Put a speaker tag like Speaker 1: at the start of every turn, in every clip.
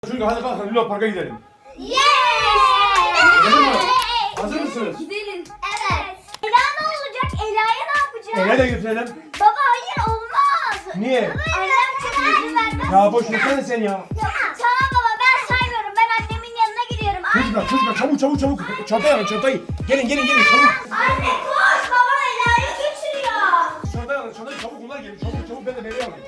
Speaker 1: Çünkü hadi kalkın Luna Park'a gidelim.
Speaker 2: Gidelim mi?
Speaker 1: Hazır mısınız?
Speaker 2: Gidelim. Evet. Ela ne olacak? Ela'ya ne yapacağız?
Speaker 1: Eve de götürelim.
Speaker 2: Baba hayır olmaz.
Speaker 1: Niye?
Speaker 2: Annem çok izin vermez.
Speaker 1: Ya boş versene sen ya.
Speaker 2: Tamam baba ben saymıyorum. Ben annemin yanına gidiyorum.
Speaker 1: Çocuklar çabuk. Çantayı alın çantayı. Gelin çabuk.
Speaker 2: Anne koş baba Ela'yı götürüyor.
Speaker 1: Çantayı çabuk bunlar gelin. Çabuk ben de bebeği alayım.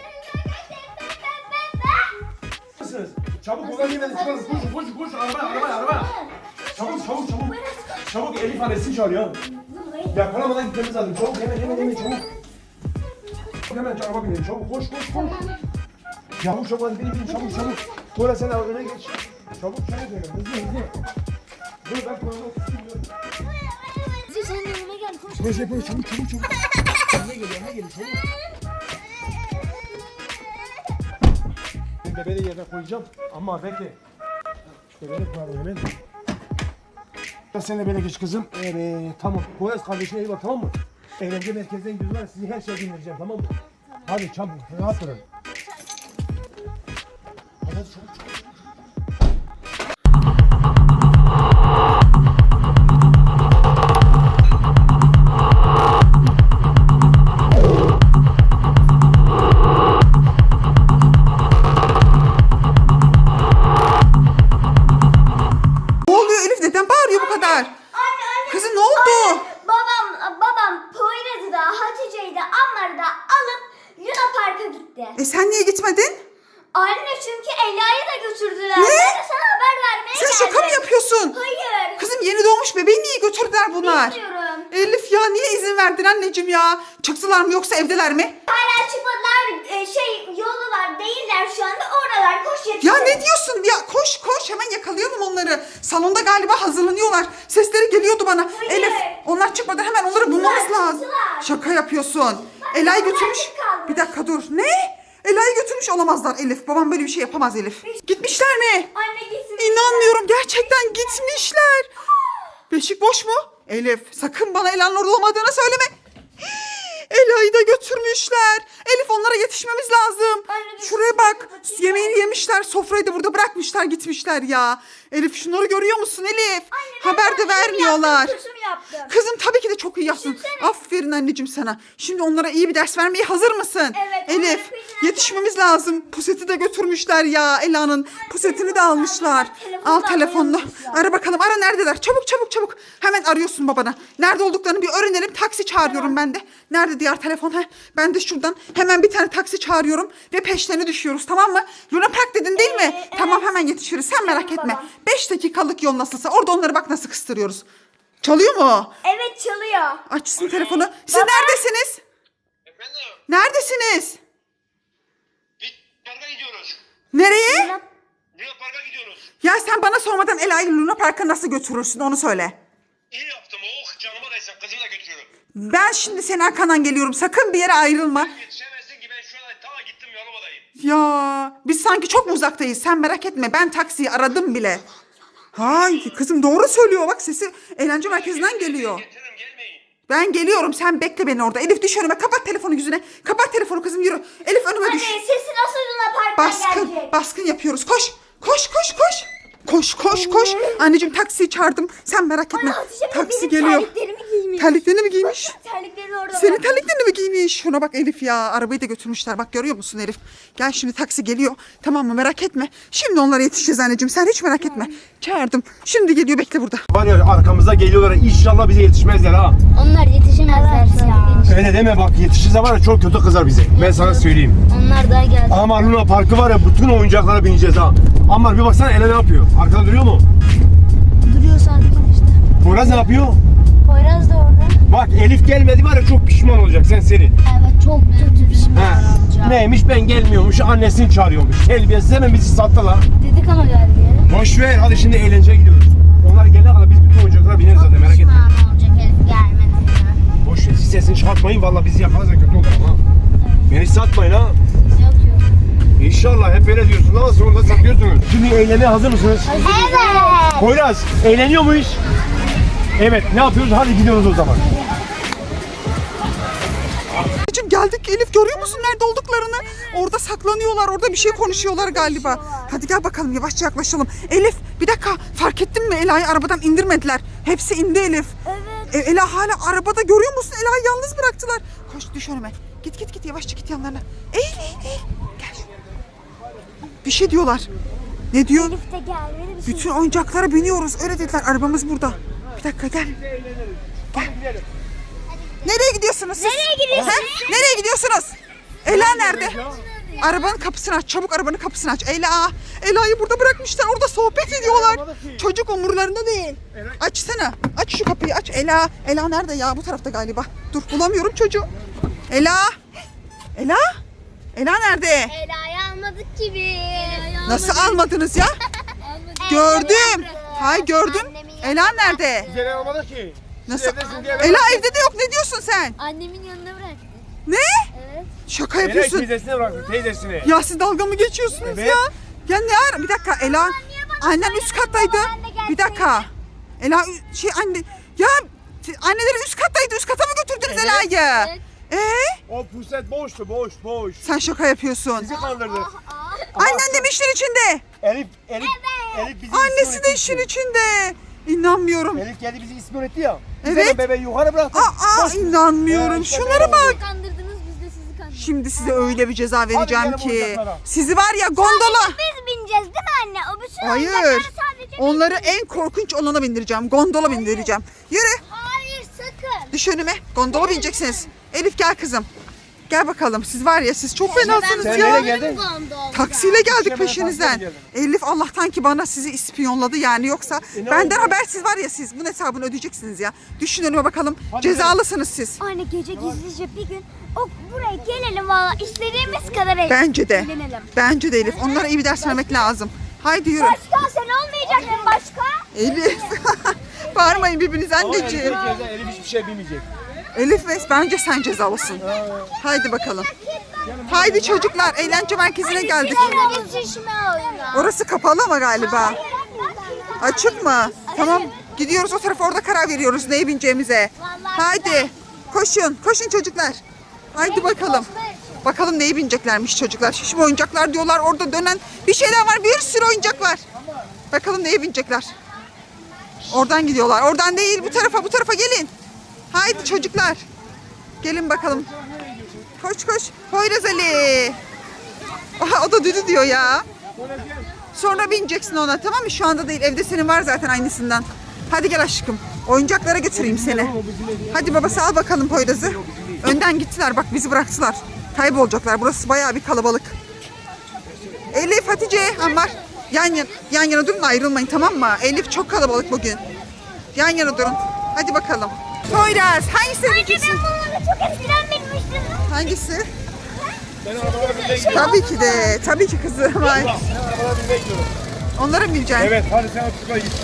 Speaker 1: Nasılsınız? Çabuk bunlar gelin. Koş araba. Çabuk. Çabuk Elif annesini çağırıyor. Yakalamadan gitmemiz lazım. Çabuk hemen çabuk. Hemen araba binelim çabuk koş. Çabuk hadi bin çabuk. Tuğla sen öne geç. Çabuk hızlı. Dur ben Tuğla'da oturuyorum.
Speaker 2: Sen de önüme gel koş.
Speaker 1: Koş çabuk. Önüne gel çabuk. Ben bebeği yerine koyacağım ama bekle. Bebeği koyalım hemen. Sen de böyle geç kızım. Evet tamam. Poyraz kardeşine iyi bak tamam mı? Eğlence merkezden gidiyoruz var sizi her şeye dinleyeceğim tamam mı? Hadi çabuk rahat durun. Hadi çabuk.
Speaker 3: Ne oluyor Elif? Neden bağırıyor bu kadar?
Speaker 2: Anne.
Speaker 3: Kızım ne oldu?
Speaker 2: Babam Poyraz'ı da Hatice'yi de Ammar'ı da alıp Luna Park'a gitti.
Speaker 3: Sen niye gitmedin?
Speaker 2: Anne çünkü Ela'yı da götürdüler.
Speaker 3: Ne?
Speaker 2: Ben de sana haber vermeye
Speaker 3: Sen
Speaker 2: geldim.
Speaker 3: şaka mı yapıyorsun?
Speaker 2: Hayır.
Speaker 3: Kızım yeni doğmuş bebeği niye götürdüler bunlar?
Speaker 2: Bilmiyorum.
Speaker 3: Elif ya niye izin verdin anneciğim ya? Çıktılar mı yoksa evdeler mi?
Speaker 2: Hala çıkmadılar. Yolu var değiller şu anda oralar. Koş yetişin.
Speaker 3: Ya ne diyorsun? Ya koş hemen yakalayalım onları. Salonda galiba hazırlanıyorlar. Sesleri geliyordu bana.
Speaker 2: Hayır.
Speaker 3: Elif onlar çıkmadan hemen onları bulmamız lazım.
Speaker 2: çıktılar.
Speaker 3: Şaka yapıyorsun. Ela'yı götürmüş.
Speaker 2: tek kalmış.
Speaker 3: Bir dakika dur. Ne? Ela'yı götürmüş olamazlar Elif. Babam böyle bir şey yapamaz Elif. Gitmişler mi?
Speaker 2: Anne gitsin.
Speaker 3: İnanmıyorum gerçekten gitmişler. Beşik boş mu? Elif sakın bana Ela'nın orada olmadığını söyleme. Ela'yı da götürmüşler. Elif onlara yetişmemiz lazım.
Speaker 2: Anne,
Speaker 3: Şuraya bak. Yemeğini yemişler. Sofrayı da burada bırakmışlar gitmişler ya. Elif şunları görüyor musun Elif? Haber de vermiyorlar.
Speaker 2: Kötü mü yaptım?
Speaker 3: Kızım tabii ki de çok iyi yaptın.
Speaker 2: Düşünsene.
Speaker 3: Aferin anneciğim sana. Şimdi onlara iyi bir ders vermeye hazır mısın?
Speaker 2: Evet, onları
Speaker 3: Elif
Speaker 2: peşinden
Speaker 3: yetişmemiz lazım. Puseti de götürmüşler ya. Ela'nın pusetini de almışlar.
Speaker 2: Telefonu
Speaker 3: Al
Speaker 2: da
Speaker 3: telefonunu.
Speaker 2: almışlar.
Speaker 3: Ara bakalım. Ara neredeler? Çabuk. Hemen arıyorsun babana. Nerede olduklarını bir öğrenelim. Taksi çağırıyorum ben de. Nerede diğer telefon? Ben de şuradan hemen bir tane taksi çağırıyorum ve peşlerine düşüyoruz tamam mı? Luna Park dedin değil mi?
Speaker 2: Evet.
Speaker 3: Tamam hemen yetişiriz. Sen merak
Speaker 2: Tamam,
Speaker 3: etme.
Speaker 2: babam.
Speaker 3: 5 dakikalık yol nasılsa. Orada onları bak nasıl kıstırıyoruz. Çalıyor mu?
Speaker 2: Evet çalıyor.
Speaker 3: Açsın telefonu. Siz
Speaker 2: Baba.
Speaker 3: neredesiniz?
Speaker 4: Efendim,
Speaker 3: Neredesiniz?
Speaker 4: bir parka gidiyoruz.
Speaker 3: Nereye?
Speaker 4: Luna Park'a gidiyoruz.
Speaker 3: Ya sen bana sormadan Ela'yı Luna Park'a nasıl götürürsün onu söyle.
Speaker 4: İyi yaptım. Oh canıma değsin. Kızımı da götürüyorum.
Speaker 3: Ben şimdi senin arkandan geliyorum. Sakın bir yere ayrılma.
Speaker 4: Yetişemezsin ki ben şu an ta gittim Yalova'dayım.
Speaker 3: Ya biz sanki çok mu uzaktayız? Sen merak etme. Ben taksiyi aradım bile. Hay kızım doğru söylüyor. Bak sesi eğlence merkezinden geliyor.
Speaker 4: Getiririm gelmeyin.
Speaker 3: Ben geliyorum. Sen bekle beni orada. Elif düş önüme. Kapat telefonu yüzüne. Kapat telefonu kızım yürü. Elif önüme
Speaker 2: Anne
Speaker 3: düş.
Speaker 2: sesi nasıl Luna Park'tan gelecek?
Speaker 3: Baskın yapıyoruz. Koş. Koş. Anneciğim taksiyi çağırdım. Sen merak etme.
Speaker 2: Anne Hatice
Speaker 3: Taksi
Speaker 2: benim
Speaker 3: geliyor.
Speaker 2: terliklerimi giymiş.
Speaker 3: Terliklerini mi giymiş?
Speaker 2: Terliklerini orada
Speaker 3: Senin
Speaker 2: bırak.
Speaker 3: terliklerini mi giymiş? Şuna bak Elif ya. Arabayı da götürmüşler. Bak görüyor musun Elif? Gel şimdi taksi geliyor. Tamam mı? Merak etme. Şimdi onlara yetişeceğiz anneciğim. Sen hiç merak etme. Çağırdım. Şimdi geliyor. Bekle burada.
Speaker 1: Var ya arkamızda geliyorlar inşallah bize yetişmezler ha.
Speaker 5: Onlar yetişemezler sana.
Speaker 1: Öyle deme bak yetişirse var ya çok kötü kızar bize. Ben sana söyleyeyim.
Speaker 5: Onlar daha geldi.
Speaker 1: Ama Luna Parkı var ya bütün oyuncaklara bineceğiz ha. Ama bir baksana Ela ne yapıyor? Arkada duruyor mu?
Speaker 5: Duruyor sadece işte.
Speaker 1: Poyraz ne yapıyor?
Speaker 5: Poyraz da orada.
Speaker 1: Bak Elif gelmedi var ya çok pişman olacak sen seni.
Speaker 5: Evet çok kötü bir şey.
Speaker 1: He. Neymiş ben gelmiyormuş annesini çağırıyormuş. Terbiyesiz hemen bizi sattılar.
Speaker 5: Dedik ama geldi ya.
Speaker 1: Boş ver hadi şimdi eğlenceye gidiyoruz. Onlar gelene kadar biz bütün oyuncaklara bineriz zaten merak etme.
Speaker 5: Pişman olacak Elif gelmedi ya.
Speaker 1: Boş ver siz sesini çıkartmayın valla bizi yakalarsa kötü olur ama. Beni satmayın ha.
Speaker 5: Yok.
Speaker 1: İnşallah hep böyle diyorsun ama sonunda satıyorsunuz. Şimdi eğlenmeye hazır mısınız?
Speaker 2: Evet.
Speaker 1: Poyraz eğleniyor muyuz? Evet ne yapıyoruz? Hadi gidiyoruz o zaman.
Speaker 3: Anneciğim geldik Elif, görüyor musun nerede olduklarını? Orada saklanıyorlar, orada bir şey konuşuyorlar galiba. Hadi gel bakalım, yavaşça yaklaşalım. Elif bir dakika, fark ettin mi? Ela'yı arabadan indirmediler. Hepsi indi Elif.
Speaker 2: Evet.
Speaker 3: Ela hala arabada, görüyor musun? Ela'yı yalnız bıraktılar. Koş, düş önüme. Git yavaşça git yanlarına. Eğil. Gel. Bir şey diyorlar. Ne diyor?
Speaker 2: Elif de gelmedi bir şey.
Speaker 3: Bütün oyuncaklara biniyoruz. Öyle dediler. Arabamız burada. Bir dakika gel. Nereye gidiyorsunuz siz?
Speaker 2: Nereye gidiyorsunuz?
Speaker 3: He? Nereye gidiyorsunuz? Ela nerede? Arabanın kapısını aç. Çabuk arabanın kapısını aç. Ela'yı burada bırakmışlar. Orada sohbet ediyorlar. Çocuk umurlarında değil. Açsana. Aç şu kapıyı aç. Ela nerede ya? Bu tarafta galiba. Dur, bulamıyorum çocuğu. Ela nerede?
Speaker 5: Ela'yı almadık gibi.
Speaker 3: Nasıl almadınız ya? Gördüm. Hay gördüm. Ela nerede?
Speaker 1: Güzel olmadı ki.
Speaker 3: Nasıl?
Speaker 1: evdesin diye
Speaker 3: Ela evde de yok. Ne diyorsun sen?
Speaker 5: Annemin yanına bıraktı.
Speaker 3: Ne?
Speaker 5: Evet.
Speaker 3: Şaka
Speaker 1: Ela
Speaker 3: yapıyorsun.
Speaker 1: teyzesine bıraktı, teyzesine.
Speaker 3: Ya siz dalga mı geçiyorsunuz
Speaker 1: Evet.
Speaker 3: ya? Ya ne ara? Bir dakika Ela. Annen üst kattaydı. Bir dakika. Ela anne. Ya anneleri üst kattaydı. Üst kata mı götürdünüz
Speaker 1: Evet.
Speaker 3: Ela'yı?
Speaker 1: O puset boştu, boş.
Speaker 3: Sen şaka yapıyorsun.
Speaker 1: Bizi kandırdı.
Speaker 3: Annen de mi işin içinde?
Speaker 1: Elif bizi
Speaker 3: Annesi
Speaker 1: isyan
Speaker 3: de
Speaker 1: etti.
Speaker 3: işin içinde. İnanmıyorum.
Speaker 1: Elif geldi bizi isyan etti ya. Biz
Speaker 3: Evet.
Speaker 1: hemen bebeği yukarı bıraktık.
Speaker 3: İnanmıyorum.
Speaker 1: işte
Speaker 3: Şunlara
Speaker 1: böyle
Speaker 3: bak.
Speaker 5: Kandırdınız, biz de sizi kandırdık.
Speaker 3: Şimdi size öyle bir ceza vereceğim
Speaker 1: gelin
Speaker 3: ki.
Speaker 1: oyuncaklara.
Speaker 3: Sizi var ya gondola.
Speaker 2: Biz bineceğiz değil mi anne? O bütün
Speaker 3: Hayır.
Speaker 2: oyuncakları sadece
Speaker 3: Onları en korkunç olana bindireceğim. Gondola bindireceğim. Yürü.
Speaker 2: Hayır sakın.
Speaker 3: Düş önüme. Gondola bineceksiniz. Elif gel kızım. Gel bakalım. Siz var ya, siz çok fenasınız
Speaker 1: Sen
Speaker 3: ya.
Speaker 1: nereye geldin?
Speaker 3: Taksiyle geldik
Speaker 1: Hemen
Speaker 3: peşinizden.
Speaker 1: taksiyle
Speaker 3: Elif Allah'tan ki bana sizi ispiyonladı yani, yoksa
Speaker 1: ne
Speaker 3: benden
Speaker 1: oldu?
Speaker 3: habersiz var ya, siz bunun hesabını ödeyeceksiniz ya. Düşün önüme bakalım.
Speaker 1: Hadi
Speaker 3: Cezalısınız siz.
Speaker 2: Anne gece gizlice bir gün buraya gelelim valla istediğimiz kadar
Speaker 3: Bence de.
Speaker 2: eğlenelim.
Speaker 3: Bence de Elif. Onlara iyi bir ders vermek lazım. Haydi yürü.
Speaker 2: Başka sen olmayacaksın başka.
Speaker 3: Elif. Bağırmayın birbirinize anneciğim.
Speaker 1: Elif hiçbir şey bilmeyecek.
Speaker 3: Elif bence sen cezalısın. Haydi bakalım. Haydi çocuklar, eğlence merkezine geldik.
Speaker 2: Geçişme oyunu.
Speaker 3: Orası kapalı ama galiba. Açık mı? Tamam. Gidiyoruz o tarafa, orada karar veriyoruz neye bineceğimize. Haydi. Koşun çocuklar. Haydi bakalım. Bakalım neye bineceklermiş çocuklar. Şişme oyuncaklar diyorlar. Orada dönen bir şeyler var. Bir sürü oyuncak var. Bakalım neye binecekler. Oradan gidiyorlar. Oradan değil, bu tarafa gelin. Haydi çocuklar. Gelin bakalım. Koş. Poyraz Ali. Aha, o da düdü diyor ya. Sonra bineceksin ona, tamam mı? Şu anda değil. Evde senin var zaten aynısından. Hadi gel aşkım. Oyuncaklara götüreyim seni. Hadi babası al bakalım Poyraz'ı. Önden gittiler, bak bizi bıraktılar. Kaybolacaklar. Burası bayağı bir kalabalık. Elif, Hatice, Ammar. Yan yana durun, ayrılmayın, tamam mı? Elif çok kalabalık bugün. Yan yana durun. Hadi bakalım. Poyraz, hangisini
Speaker 2: Anne
Speaker 3: bineceksin?
Speaker 2: ben bununla çok eskiden binmiştim.
Speaker 3: Hangisi?
Speaker 1: Ben arabalara binmeye gidiyorum.
Speaker 3: Tabii ki kızım. Ay.
Speaker 1: Ben arabalara binmeye gidiyorum.
Speaker 3: Onlara mı bineceksin?
Speaker 1: Evet, hadi sen otur git.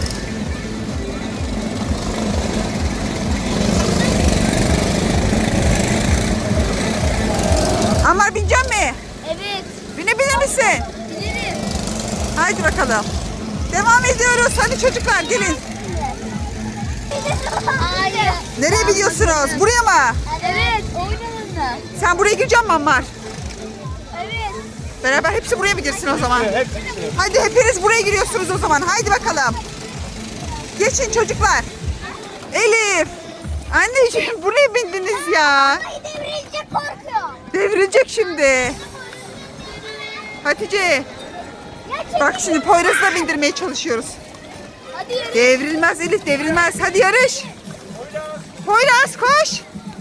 Speaker 3: Ammar, binecek mi?
Speaker 5: Evet.
Speaker 3: Binebilir misin?
Speaker 5: Bilirim.
Speaker 3: Haydi bakalım. Devam ediyoruz. Hadi çocuklar gelin.
Speaker 5: Hayır.
Speaker 3: Nereye gidiyorsunuz? Buraya mı?
Speaker 5: Evet. Oynanın.
Speaker 3: Sen buraya girecek misin Ammar?
Speaker 5: Evet.
Speaker 3: Beraber hepsi buraya mı girsin o zaman?
Speaker 1: Hepsi.
Speaker 3: Hadi hepiniz buraya giriyorsunuz o zaman. Haydi bakalım. Geçin çocuklar. Elif. Anneciğim buraya bindiniz ya.
Speaker 2: Ay devrilecek korkuyor.
Speaker 3: Devrilecek şimdi. Hatice. Bak şimdi Poyraz'ı da bindirmeye çalışıyoruz.
Speaker 5: Hadi yürü.
Speaker 3: Devrilmez Elif, devrilmez. Hadi yarış. Poyraz koş.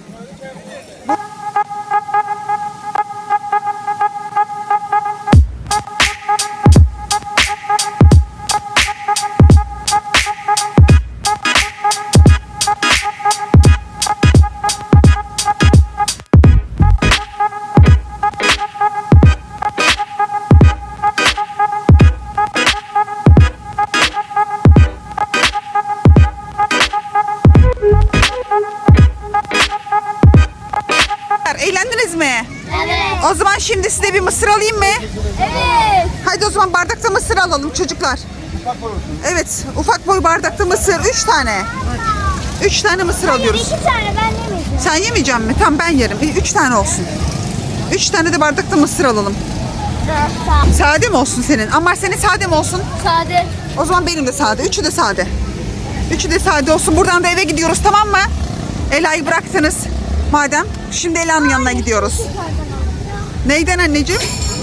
Speaker 3: Eğlendiniz mi?
Speaker 5: Evet.
Speaker 3: O zaman şimdi size bir mısır alayım mı?
Speaker 5: Evet.
Speaker 3: Haydi o zaman bardakta mısır alalım çocuklar. Evet, ufak boy bardakta mısır 3 tane. 3 tane mısır alıyoruz.
Speaker 2: 2 tane ben yemeyeceğim.
Speaker 3: Sen yemeyecek misin? Tamam ben yerim. 3 tane olsun. 3 tane de bardakta mısır alalım.
Speaker 2: Tamam.
Speaker 3: Sade mi olsun senin? Ammar senin sade mi olsun?
Speaker 5: Sade.
Speaker 3: O zaman benim de sade. Üçü de sade. Üçü de sade olsun. Buradan da eve gidiyoruz, tamam mı? Ela'yı bıraktınız. Madem şimdi Ela'nın yanına gidiyoruz. Neyden anneciğim?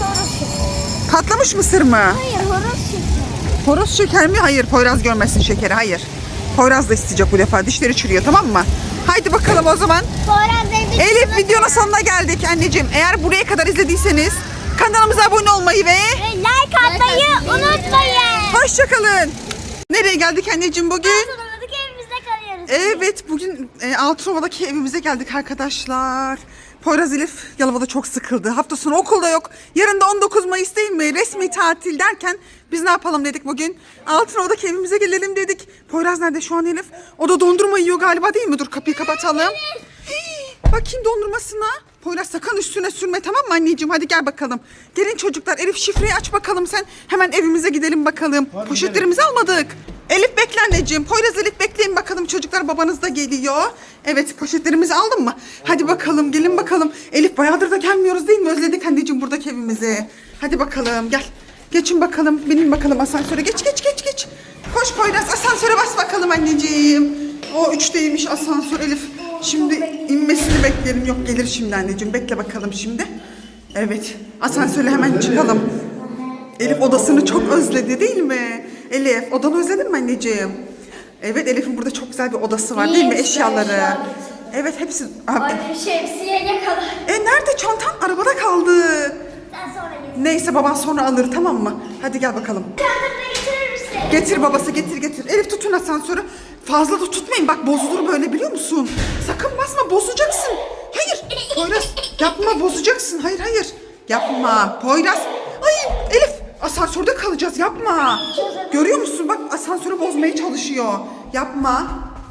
Speaker 3: Patlamış mısır mı?
Speaker 2: Hayır horoz şekeri.
Speaker 3: Horoz şeker mi? Hayır. Poyraz görmesin şekeri. Hayır. Poyraz da isteyecek bu defa. Dişleri çürüyor, tamam mı? Haydi bakalım o zaman.
Speaker 2: Poyraz evde
Speaker 3: Elif, videonun sonuna geldik anneciğim. Eğer buraya kadar izlediyseniz kanalımıza abone olmayı ve
Speaker 2: like atmayı unutmayın.
Speaker 3: hoşçakalın. Nereye geldik anneciğim bugün?
Speaker 2: Sonradık evimizde kalıyoruz.
Speaker 3: Evet, bugün Altınova'daki evimize geldik arkadaşlar. Poyraz Elif Yalova'da çok sıkıldı. Hafta sonu okulda yok. Yarın da 19 Mayıs değil mi? Resmi tatil derken biz ne yapalım dedik bugün? Altınova'daki evimize gelelim dedik. Poyraz nerede şu an Elif? O da dondurma yiyor galiba, değil mi? Dur kapıyı kapatalım. Hii, bakayım dondurmasına. Poyraz sakın üstüne sürme, tamam mı anneciğim? Hadi gel bakalım. Gelin çocuklar, Elif şifreyi aç bakalım sen. Hemen evimize gidelim bakalım.
Speaker 1: Hadi
Speaker 3: Poşetlerimizi almadık. Elif bekle anneciğim. Poyraz Elif bekleyin bakalım çocuklar, babanız da geliyor. Evet, poşetlerimizi aldın mı? Hadi bakalım, gelin bakalım. Elif bayağıdır da gelmiyoruz değil mi? Özledik anneciğim buradaki evimizi. Hadi bakalım gel. Geçin bakalım, binin bakalım asansöre. Geç. Koş Poyraz, asansöre bas bakalım anneciğim. O 3'teymiş asansör Elif. Şimdi inmesini beklerim. Yok, gelir şimdi anneciğim. Bekle bakalım şimdi. Evet, asansöre hemen çıkalım. Elif odasını çok özledi değil mi? Elif, odanı özledin mi anneciğim? Evet, Elif'in burada çok güzel bir odası var değil mi? Eşyaları. Evet, hepsi... Abi.
Speaker 2: Şemsiye ne kadar?
Speaker 3: Nerede çantan? Arabada kaldı.
Speaker 2: Sen sonra getir.
Speaker 3: Neyse, baban sonra alır, tamam mı? Hadi gel bakalım.
Speaker 2: Çantamı getirir misin?
Speaker 3: Getir babası, getir. Elif tutun asansörü. Fazla da tutmayın, bak bozulur böyle, biliyor musun? Sakın basma, bozacaksın. Hayır Poyraz, yapma, bozacaksın. Hayır. Yapma Poyraz. Ay Elif, asansörde kalacağız, yapma. Görüyor musun, bak asansörü bozmaya çalışıyor. Yapma.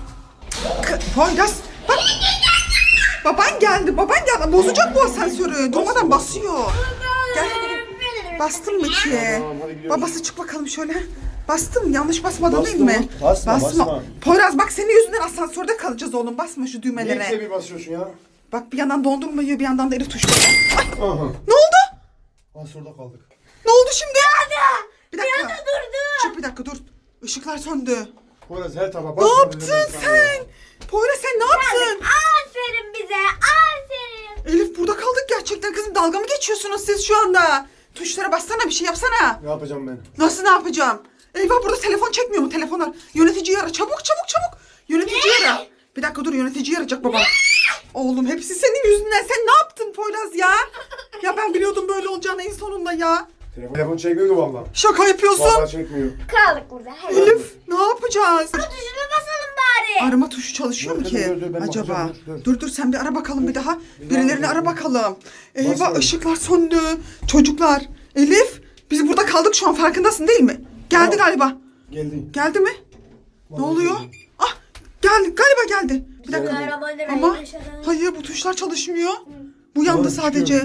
Speaker 3: Poyraz bak. Baban geldi. Bozacak bu asansörü. Durmadan basıyor. Gel. Bastın mı ki?
Speaker 1: hadi gidiyoruz.
Speaker 3: Babası çık bakalım şöyle. Bastın mı? Yanlış basmadın değil
Speaker 1: Bastım.
Speaker 3: mi?
Speaker 1: Basma.
Speaker 3: Poyraz bak, senin yüzünden asansörde kalacağız oğlum. Basma şu
Speaker 1: Niye
Speaker 3: düğmelere.
Speaker 1: ikide bir basıyorsun ya?
Speaker 3: Bak, bir yandan dondurma yiyor, bir yandan da Elif tuşluyor. Ay,
Speaker 1: Aha.
Speaker 3: ne oldu?
Speaker 1: Asurda kaldık.
Speaker 3: Ne oldu şimdi? Bir dakika.
Speaker 2: Bir anda durdu.
Speaker 3: Çık bir dakika, dur. Işıklar söndü.
Speaker 1: Poyraz her tarafa
Speaker 3: Ne
Speaker 1: basma.
Speaker 3: yaptın sen? Poyraz sen ne yaptın?
Speaker 2: Aferin bize. Aferin.
Speaker 3: Elif, burada kaldık gerçekten kızım. Dalga mı geçiyorsunuz siz şu anda? Tuşlara bassana, bir şey yapsana.
Speaker 1: Ne yapacağım ben?
Speaker 3: Nasıl ne yapacağım? Eyvah, burada telefon çekmiyor mu telefonlar? Yöneticiyi ara, çabuk. Yöneticiyi ara. Bir dakika dur, yöneticiyi arayacak babam. Oğlum, hepsi senin yüzünden. Sen ne yaptın Poyraz ya? Ya ben biliyordum böyle olacağını en sonunda ya.
Speaker 1: Telefon çekmiyor ki valla.
Speaker 3: Şaka yapıyorsun.
Speaker 1: Valla çekmiyor.
Speaker 2: Kaldık burada. Hadi.
Speaker 3: Elif, ne yapacağız?
Speaker 2: Tuşuna basalım bari.
Speaker 3: Arama tuşu çalışıyor mu
Speaker 1: Dur,
Speaker 3: ki?
Speaker 1: dur, ben
Speaker 3: Acaba?
Speaker 1: bakacağım, dur.
Speaker 3: Dur sen bir ara bakalım bir daha. Birilerini ara bakalım. Eyvah,
Speaker 1: Basmadım.
Speaker 3: ışıklar söndü. Çocuklar. Elif, biz burada kaldık şu an, farkındasın değil mi? Geldi
Speaker 1: Tamam.
Speaker 3: galiba.
Speaker 1: Geldi.
Speaker 3: Geldi mi? Ne oluyor? Ah, geldi galiba geldi. Bir dakika. Ama hayır, bu tuşlar çalışmıyor. Bu yandı
Speaker 1: Doğru,
Speaker 3: sadece.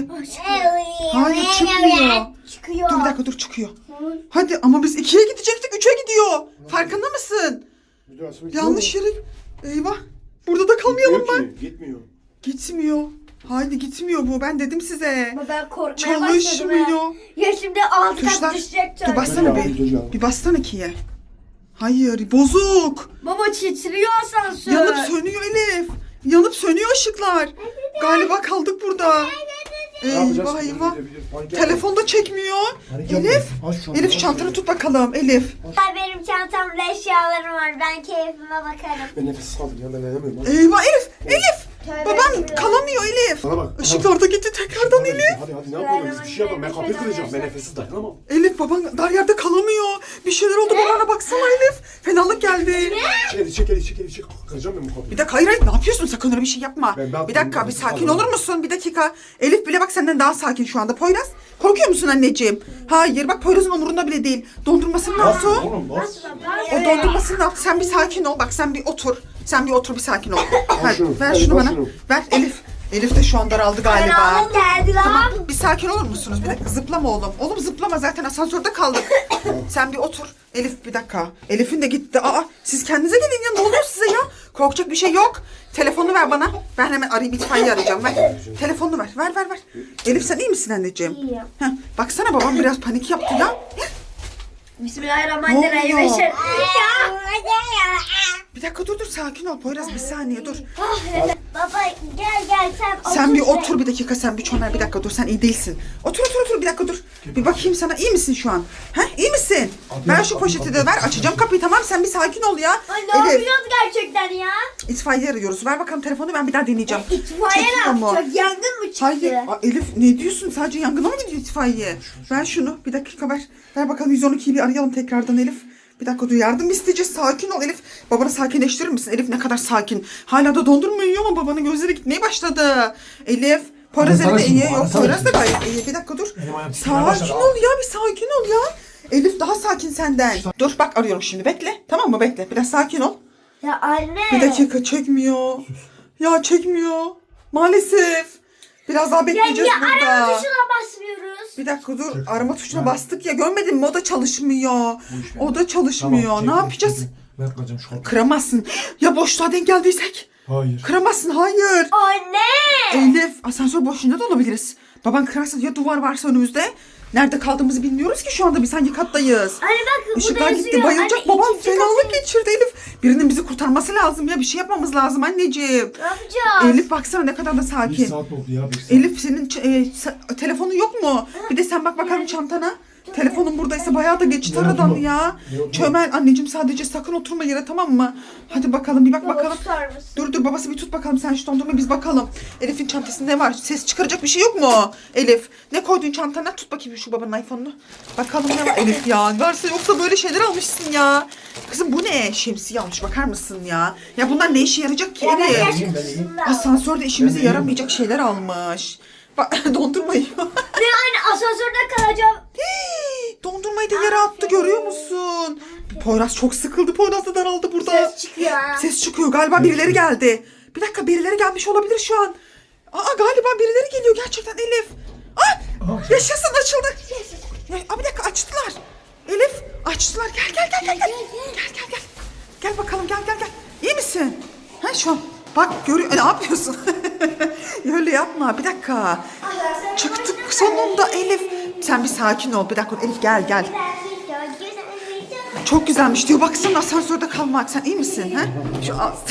Speaker 3: Hayır,
Speaker 2: Hayır
Speaker 3: çıkmıyor.
Speaker 2: Çıkıyor.
Speaker 3: Dur bir dakika, dur, çıkıyor. Hadi ama biz 2'ye gidecektik, 3'e gidiyor. Farkında mısın?
Speaker 1: Bir daha sonra
Speaker 3: Yanlış yere. Eyvah. Burada da kalmayalım
Speaker 1: Gitmiyor
Speaker 3: mı?
Speaker 1: ki, Gitmiyor.
Speaker 3: Gitmiyor. Haydi gitmiyor bu. Ben dedim size.
Speaker 2: Ama ben korkmaya başladım.
Speaker 3: Çalışmıyor.
Speaker 2: Ya şimdi alt kat
Speaker 3: Tuşlar.
Speaker 2: düşecek
Speaker 3: Dur
Speaker 2: çocuk.
Speaker 3: bassana
Speaker 1: Dur ya,
Speaker 3: bir.
Speaker 1: dur ya.
Speaker 3: Bir bassana ikiye. Hayır, bozuk.
Speaker 2: Baba titriyor asansör.
Speaker 3: Yanıp sönüyor Elif. Yanıp sönüyor ışıklar. Galiba kaldık burada.
Speaker 1: Ne yapacağız?
Speaker 3: Eyvah eyvah.
Speaker 1: Panik yapma.
Speaker 3: Telefon da çekmiyor.
Speaker 1: Panik yapma.
Speaker 3: Elif.
Speaker 1: Aç şu an,
Speaker 3: Elif
Speaker 1: aç
Speaker 3: çantanı
Speaker 1: şunu.
Speaker 3: tut bakalım Elif.
Speaker 2: Benim çantamda eşyalarım var. Ben keyfime bakarım.
Speaker 1: Ben nefessiz kaldım ya, ben dayanamıyorum.
Speaker 3: Eyvah Elif.
Speaker 2: Tövbe
Speaker 3: Baban
Speaker 2: bismillah.
Speaker 3: kalamıyor Elif.
Speaker 1: Bana bak.
Speaker 3: Işıklar da gitti tekrardan Elif.
Speaker 1: Hadi ne yapalım, biz bir şey yapalım. Ben kapıyı kıracağım, ben nefessiz dayanamam.
Speaker 3: Elif, baban dar yerde kalamıyor. Bir şeyler oldu, babana baksana Elif. Fenalık geldi.
Speaker 1: Çek. Kıracağım ben bu kapıyı.
Speaker 3: Bir dakika, hayır ne yapıyorsun, sakın öyle bir şey yapma.
Speaker 1: Ben
Speaker 3: Bir dakika,
Speaker 1: ben-
Speaker 3: bir sakin
Speaker 1: Allah'ım.
Speaker 3: olur musun? Bir dakika. Elif bile bak senden daha sakin şu anda. Poyraz, korkuyor musun anneciğim? Hayır, bak Poyraz'ın umurunda bile değil. Dondurmasını ne yaptı o?
Speaker 1: Oğlum bas.
Speaker 3: O dondurmasını ne yaptı? Sen bir sakin ol. Bak sen bir otur. Bir sakin ol. Ver,
Speaker 1: şunu,
Speaker 3: ver
Speaker 1: Elif,
Speaker 3: şunu
Speaker 1: al
Speaker 3: bana.
Speaker 1: şunu.
Speaker 3: Ver Elif. Elif de şu an daraldı galiba.
Speaker 2: Karanlık geldi lan.
Speaker 3: Tamam, bir sakin olur musunuz? Bir dakika, zıplama oğlum. Oğlum zıplama, zaten asansörde kaldık. Sen bir otur. Elif bir dakika. Elif'in de gitti. Aa, siz kendinize gelin ya. Ne oluyor size ya? Korkacak bir şey yok. Telefonu ver bana. Ben hemen arayayım, itfaiye arayacağım. Ver. Telefonunu ver. Ver. Elif sen iyi misin anneciğim?
Speaker 2: İyiyim.
Speaker 3: Heh, baksana babam biraz panik yaptı ya.
Speaker 2: Bismillahirrahmanirrahim.
Speaker 3: Ne oluyor?
Speaker 2: Ya.
Speaker 3: Bir dakika dur sakin ol Poyraz, bir saniye dur.
Speaker 2: Baba gel sen
Speaker 3: Sen bir
Speaker 2: şuraya.
Speaker 3: otur bir dakika, sen bir çömel bir dakika dur, sen iyi değilsin. Otur bir dakika dur. Bir bakayım sana, iyi misin şu an? İyi misin? Ver şu poşeti de ver, açacağım kapıyı, tamam sen bir sakin ol ya.
Speaker 2: Ay, ne yapıyoruz gerçekten ya?
Speaker 3: İtfaiye arıyoruz, ver bakalım telefonu, ben bir daha deneyeceğim.
Speaker 2: İtfaiye
Speaker 3: Çekmiyor
Speaker 2: ne
Speaker 3: mu?
Speaker 2: yapacak? Yangın mı çıktı?
Speaker 3: Hayır. Elif ne diyorsun? Sadece yangına mı gidiyor itfaiye? Ver şunu. Bir dakika ver. Ver bakalım 112'yi bir arayalım tekrardan Elif. Bir dakika dur, yardım isteyeceğiz. Sakin ol Elif. Babanı sakinleştirir misin? Elif ne kadar sakin. Hala da dondurma yiyor ama babanın gözleri gitmeye başladı. Elif. Poyraz
Speaker 1: Arasana
Speaker 3: de
Speaker 1: şimdi,
Speaker 3: iyi. Yok
Speaker 1: arasana
Speaker 3: Poyraz da
Speaker 1: şimdi.
Speaker 3: gayet iyi. Bir dakika dur.
Speaker 1: Benim ayağım titremeye
Speaker 3: Sakin
Speaker 1: başladı.
Speaker 3: ol ya, bir sakin ol ya. Elif daha sakin senden. Dur bak arıyorum şimdi, bekle. Tamam mı, bekle. Biraz sakin ol.
Speaker 2: Ya anne.
Speaker 3: Bir dakika, çekmiyor. Ya çekmiyor. Maalesef. Biraz daha
Speaker 2: Ya
Speaker 3: bekleyeceğiz
Speaker 2: niye
Speaker 3: burada.
Speaker 2: arama tuşuna basmıyoruz?
Speaker 3: Bir dakika dur. Arama tuşuna bastık ya. Görmedin mi? O da çalışmıyor. O da çalışmıyor.
Speaker 1: Tamam,
Speaker 3: Ne
Speaker 1: çektim,
Speaker 3: yapacağız?
Speaker 1: çektim. Ben kıracağım şu kapıyı.
Speaker 3: Kıramazsın. Ya boşluğa denk geldiysek?
Speaker 1: Hayır.
Speaker 3: Kıramazsın. Hayır.
Speaker 2: Anne.
Speaker 3: Elif, asansör boşluğunda da olabiliriz. Baban kırarsa ya, duvar varsa önümüzde. Nerede kaldığımızı bilmiyoruz ki şu anda. Biz hangi kattayız?
Speaker 2: Anne bak
Speaker 3: Işıklar
Speaker 2: burada
Speaker 3: gitti,
Speaker 2: yazıyor.
Speaker 3: bayılacak.
Speaker 2: Anne,
Speaker 3: Babam
Speaker 2: ikinci
Speaker 3: fenalık
Speaker 2: katı-
Speaker 3: geçirdi Elif. Birinin bizi kurtarması lazım ya. Bir şey yapmamız lazım anneciğim.
Speaker 2: Ne yapacağız?
Speaker 3: Elif baksana ne kadar da
Speaker 1: Bir
Speaker 3: sakin.
Speaker 1: saat oldu ya, bir saat.
Speaker 3: Elif senin telefonun yok mu? Bir de sen bak bakalım çantana. Telefonun buradaysa bayağı da geçti
Speaker 1: Yok,
Speaker 3: aradan
Speaker 1: yok.
Speaker 3: ya.
Speaker 1: Yok.
Speaker 3: Çömel anneciğim, sadece sakın oturma yere, tamam mı? Hadi bakalım bir bak
Speaker 2: Baba,
Speaker 3: bakalım.
Speaker 2: tutar mısın?
Speaker 3: Dur babası bir tut bakalım, sen şu dondurma biz bakalım. Elif'in çantasında ne var? Ses çıkaracak bir şey yok mu? Elif ne koydun çantana? Tut bakayım şu babanın iPhone'unu. Bakalım ne var Elif ya. Varsa yoksa böyle şeyler almışsın ya. Kızım bu ne? Şemsiye almış, bakar mısın ya? Ya bunlar ne işe yarayacak ki
Speaker 2: Ya ben
Speaker 3: Elif?
Speaker 2: gerçekten
Speaker 1: ben iyiyim.
Speaker 2: şunu da-
Speaker 3: Asansörde işimize
Speaker 1: Ben de
Speaker 3: yaramayacak şeyler almış. Bak dondurma yiyor.
Speaker 2: Ne anne asansörde kalacağım.
Speaker 3: Hii, dondurmayı da yere attı, görüyor musun? Poyraz çok sıkıldı. Poyraz da daraldı burada.
Speaker 2: Ses çıkıyor.
Speaker 3: Ses çıkıyor. Galiba birileri geldi. Bir dakika, birileri gelmiş olabilir şu an. Galiba birileri geliyor gerçekten Elif. Yaşasın, açıldı. Bir dakika, açtılar. Elif açtılar. Gel. Gel. Gel bakalım, gel. İyi misin? Şu an bak görüyor. Ne yapıyorsun? Öyle yapma. Bir dakika. Çıktık sonunda Elif. Sen bir sakin ol. Bir dakika Elif, gel. Çok güzelmiş diyor. Baksana asansörde kalmak. Sen iyi misin? Şu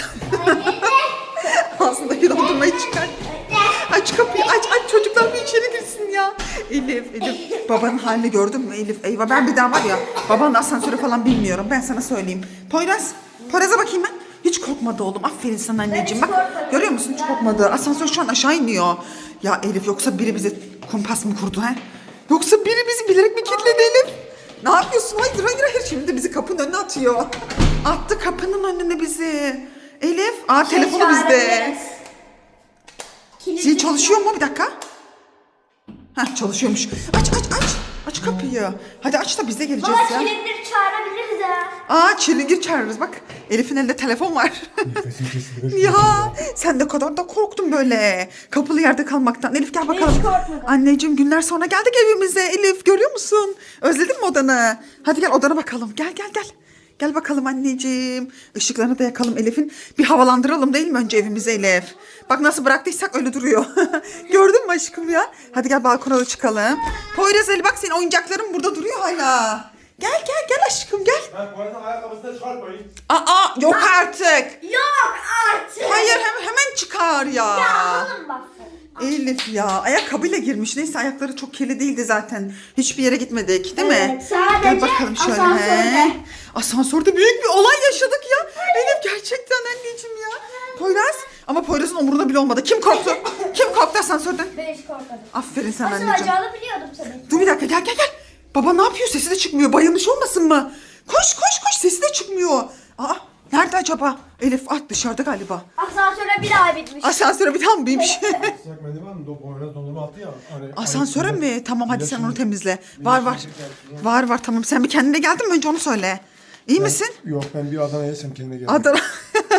Speaker 3: ağzındaki dondurmayı çıkar. Aç kapıyı, aç. Çocuklar bir içeri girsin ya. Elif. Babanın halini gördün mü Elif? Eyvah, ben bir daha var ya, babanın asansörü falan bilmiyorum. Ben sana söyleyeyim. Poyraz'a bakayım ben. Hiç korkmadı oğlum. Aferin sana anneciğim. Bak görüyor musun? Hiç korkmadı. Asansör şu an aşağı iniyor. Ya Elif, yoksa biri bize kumpas mı kurdu he? Yoksa biri bizi bilerek mi kilitledi Elif? Ne yapıyorsun? Hayır. Şimdi de bizi kapının önüne atıyor. Attı kapının önüne bizi. Elif. Telefonu bizde. Zil çalışıyor mu? Bir dakika. Çalışıyormuş. Aç kapıyı. Hadi aç da biz de geleceğiz
Speaker 2: Baba
Speaker 3: ya.
Speaker 2: çilekleri çağırabiliriz ha.
Speaker 3: Çilingir çağırırız bak. Elif'in elinde telefon var.
Speaker 1: Nefesim kesildi.
Speaker 3: Ya sen de kadar da korktun böyle. Kapılı yerde kalmaktan. Elif gel bakalım.
Speaker 2: hiç korkmadım.
Speaker 3: Anneciğim, günler sonra geldik evimize. Elif görüyor musun? Özledin mi odanı? Hadi gel odana bakalım. Gel. Gel bakalım anneciğim. Işıklarını da yakalım Elif'in. Bir havalandıralım değil mi önce evimizi Elif? Bak nasıl bıraktıysak öyle duruyor. Gördün mü aşkım ya? Hadi gel balkona da çıkalım. Poyraz Ali, bak senin oyuncakların burada duruyor hala. Gel aşkım gel.
Speaker 1: Poyraz'ın ayakkabısını çıkartmayın.
Speaker 3: Yok artık.
Speaker 2: Yok artık.
Speaker 3: Hayır, hemen çıkar ya.
Speaker 2: Alın bak.
Speaker 3: Elif ya, ayakkabıyla girmiş. Neyse, ayakları çok kirli değildi zaten. Hiçbir yere gitmedik değil mi?
Speaker 2: Evet, sadece
Speaker 3: Gel bakalım şöyle.
Speaker 2: asansörde.
Speaker 3: Asansörde büyük bir olay yaşadık ya. Elif gerçekten anneciğim ya. Poyraz, ama Poyraz'ın umurunda bile olmadı. Kim korktu asansörden?
Speaker 2: Ben hiç korkmadım.
Speaker 3: Aferin sana
Speaker 2: Nasıl
Speaker 3: anneciğim.
Speaker 2: acağını biliyordum tabii.
Speaker 3: Dur bir dakika, gel. Baba ne yapıyor? Sesi de çıkmıyor. Bayılmış olmasın mı? Koş. Sesi de çıkmıyor. Nerede acaba? Elif dışarıda galiba.
Speaker 2: Asansöre bir daha bitmiş.
Speaker 3: Asansöre bir tane binmiş.
Speaker 1: Sıcak mendil var mı? Poyraz dondurma attı ya.
Speaker 3: Asansöre mi? Tamam hadi sen onu temizle.
Speaker 1: Bir
Speaker 3: Var.
Speaker 1: yaşım çeker.
Speaker 3: Var tamam. Sen bir kendine geldin mi? Önce onu söyle. İyi misin?
Speaker 1: Yok, ben bir Adana'ya yesem kendime geldim.
Speaker 3: Adana.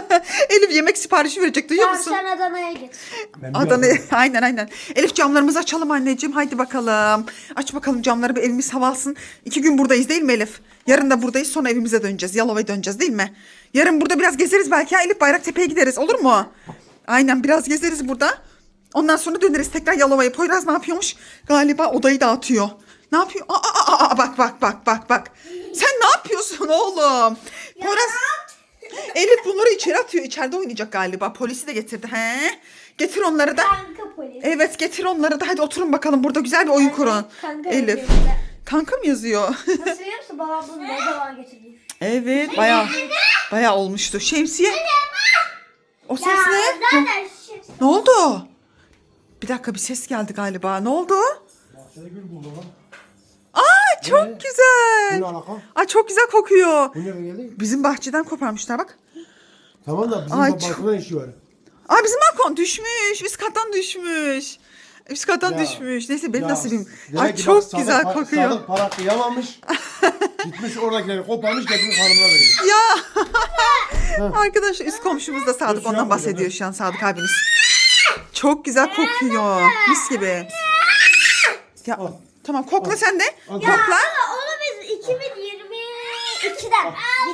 Speaker 3: Elif yemek siparişi verecek, duyuyor
Speaker 2: Tamam
Speaker 3: musun?
Speaker 2: sen Adana'ya git.
Speaker 3: Adana'ya aynen. Elif camlarımızı açalım anneciğim. Haydi bakalım. Aç bakalım camları, bir evimiz hava alsın. 2 gün buradayız değil mi Elif? Yarın da buradayız, sonra evimize döneceğiz. Yalova'ya döneceğiz değil mi? Yarın burada biraz gezeriz belki ya Elif, Bayraktepe'ye gideriz, olur mu? Aynen, biraz gezeriz burada. Ondan sonra döneriz tekrar Yalova'ya. Poyraz ne yapıyormuş? Galiba odayı dağıtıyor. Ne yapıyor? Bak. Sen ne yapıyorsun oğlum? Poyraz... Elif bunları içeri atıyor. İçeride oynayacak galiba. Polisi de getirdi. He? Getir onları da.
Speaker 2: Kanka polis.
Speaker 3: Evet, getir onları da. Hadi oturun bakalım. Burada güzel bir oyun kurun.
Speaker 2: Kanka
Speaker 3: Elif.
Speaker 2: yazıyor burada.
Speaker 3: Kanka mı yazıyor?
Speaker 2: Nasıl biliyor musun? Babam bunu ne zaman getirdi?
Speaker 3: Evet. Bayağı olmuştu. Şemsiye. O ses ne?
Speaker 2: Zaten
Speaker 3: Ne oldu? Bir dakika, bir ses geldi galiba. Ne oldu?
Speaker 1: Bahçede gül buldum lan.
Speaker 3: Aa, çok
Speaker 1: Bu
Speaker 3: güzel.
Speaker 1: ne alaka?
Speaker 3: Ay, çok güzel kokuyor.
Speaker 1: Bu nereden geldi?
Speaker 3: Bizim bahçeden koparmışlar bak.
Speaker 1: Tamam da bizim
Speaker 3: Ay,
Speaker 1: balkonda işi var.
Speaker 3: Aa, bizim balkon düşmüş. Üst kattan düşmüş. Üst kattan
Speaker 1: Ya,
Speaker 3: düşmüş. Neyse, benim
Speaker 1: Ya,
Speaker 3: nasibim.
Speaker 1: demek
Speaker 3: Ay,
Speaker 1: ki
Speaker 3: çok
Speaker 1: bak,
Speaker 3: güzel
Speaker 1: Sadık
Speaker 3: kokuyor.
Speaker 1: Sadık para kıyamamış. Gitmiş oradakileri koparmış getirmiş hanımına veriyor.
Speaker 3: Ya arkadaşlar, üst komşumuz da Sadık,
Speaker 1: Üst
Speaker 3: ondan
Speaker 1: yapma
Speaker 3: bahsediyor
Speaker 1: canım.
Speaker 3: şu an Sadık abiniz. Çok güzel kokuyor. Mis gibi. Ya
Speaker 1: Al.
Speaker 3: tamam, kokla sen de.
Speaker 1: Al.
Speaker 3: Kokla.
Speaker 2: onu biz 2022'den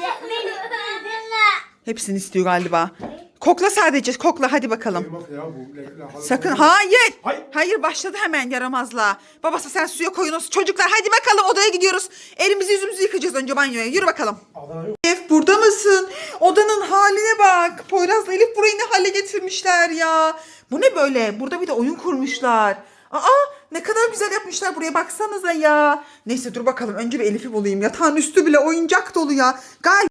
Speaker 3: Hepsini istiyor galiba. Kokla sadece, kokla hadi bakalım.
Speaker 1: Bak ya bu.
Speaker 3: Sakın, hayır.
Speaker 1: Hayır.
Speaker 3: Hayır, başladı hemen yaramazla. Babası sen suya koyunuz. Çocuklar hadi bakalım, odaya gidiyoruz. Elimizi yüzümüzü yıkayacağız önce banyoya. Yürü bakalım.
Speaker 1: Adana yok.
Speaker 3: Elif, burada mısın? Odanın haline bak. Poyraz'la Elif burayı ne hale getirmişler ya. Bu ne böyle? Burada bir de oyun kurmuşlar. Aa, ne kadar güzel yapmışlar buraya, baksanıza ya. Neyse, dur bakalım, önce bir Elif'i bulayım. Yatağın üstü bile oyuncak dolu ya. Galiba